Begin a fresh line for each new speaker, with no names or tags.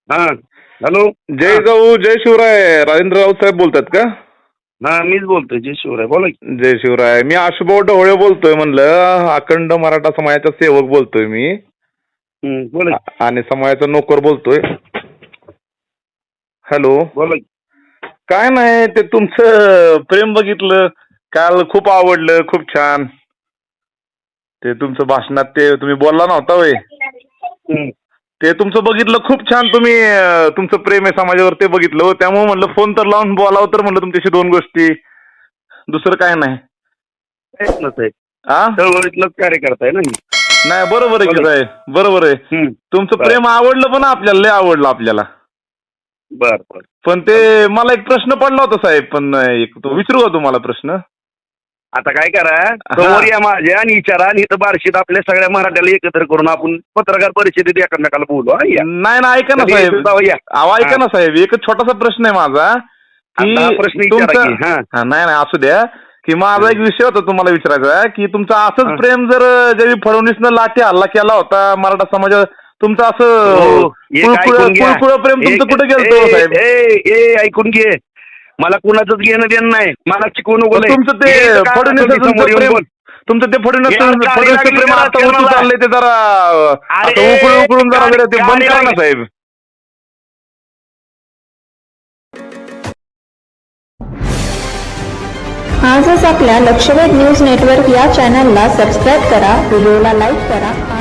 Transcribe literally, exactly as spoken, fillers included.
हा हॅलो.
जय जाऊ जय शिवराय. राजेंद्र राऊत साहेब बोलतात का?
हा मीच बोलतोय. जय शिवराय. बोला की.
जय शिवराय. मी आशुभाऊ ढवळे बोलतोय. म्हणलं अखंड मराठा समाजाचा सेवक बोलतोय मी.
हम्म, बोला की.
आ- आणि समाजाचा नोकर बोलतोय. हॅलो.
बोला की.
काय नाही, ते तुमचं प्रेम बघितलं काल, खूप आवडलं, खूप छान. ते तुमचं भाषणात ते तुम्ही बोलला नव्हता वय,
हम्म.
ते तुमचं बघितलं, खूप छान. तुम्ही अं, तुमचं प्रेम आहे समाजावर ते बघितलं हो. त्यामुळे म्हणलं फोन तर लावून बोलावं, तर म्हणलं तुमच्याशी दोन गोष्टी, दुसरं काय नाही.
प्रयत्नच आहे.
आ
चळवळीतलंच कार्यकर्ता आहे ना मी.
नाही, बरोबर आहे की
बोला.
साहेब, बरोबर आहे.
हम्म.
तुमचं
बर
प्रेम आवडलं पण आपल्याला, लय आवडलं आपल्याला.
बर बर.
पण ते मला एक प्रश्न पडला होता साहेब, पण एक तो विचारू का तुम्हाला प्रश्न?
आता काय करा, समोर या माझ्या आणि विचारा, आणि इथं बार्शीत आपल्या सगळ्या मराठ्याला एकत्र करून आपण पत्रकार परिषदेत एकमेकाला बोलू. हा, या.
नाही ना, ऐका ना
कधी
साहेब,
यायचं तेव्हा या.
अहो ऐका
हा.
ना साहेब, एक छोटासा प्रश्न आहे माझा की
आता हा प्रश्न विचारा
तुमचा,
की. हा.
हा, नाही नाही असू द्या, की माझा
हा.
एक विषय होता तुम्हाला विचारायचा, की तुमचं असंच
हा.
प्रेम जर ज्यावेळी फडणवीसनं लाठी हल्ला केला होता मराठा समाजा, तुमचं असं
हो, एक
कुळकुळ
ऐकून घ्या.
कुळकुळ प्रेम तुमचं
एक-
कुठे गेलतो
ए-
साहेब?
ए- ए, ऐकून घे. मला कुणाचंच घेणं देणं नाही. मला शिकवू नको लय.
तुमचं ते
हे इथं काय
फडणवीस
असेल ते समोर येऊन
प्रेम,
बोल.
तुमचं ते फडणवीस
यार, गाडी
फडणवीस
लागली
प्रेम
जरा
आता उतू
राजकारणाला.
चाललंय, ते जरा
अरे,
आता उकळून उकळून जरा
गाडी-
जरा ते बंद
गाडी
करा ना
लागली.
साहेब.
आजच आपल्या लक्षवेध न्यूज नेटवर्क या चॅनलला सबस्क्राईब करा, व्हिडिओला लाईक करा.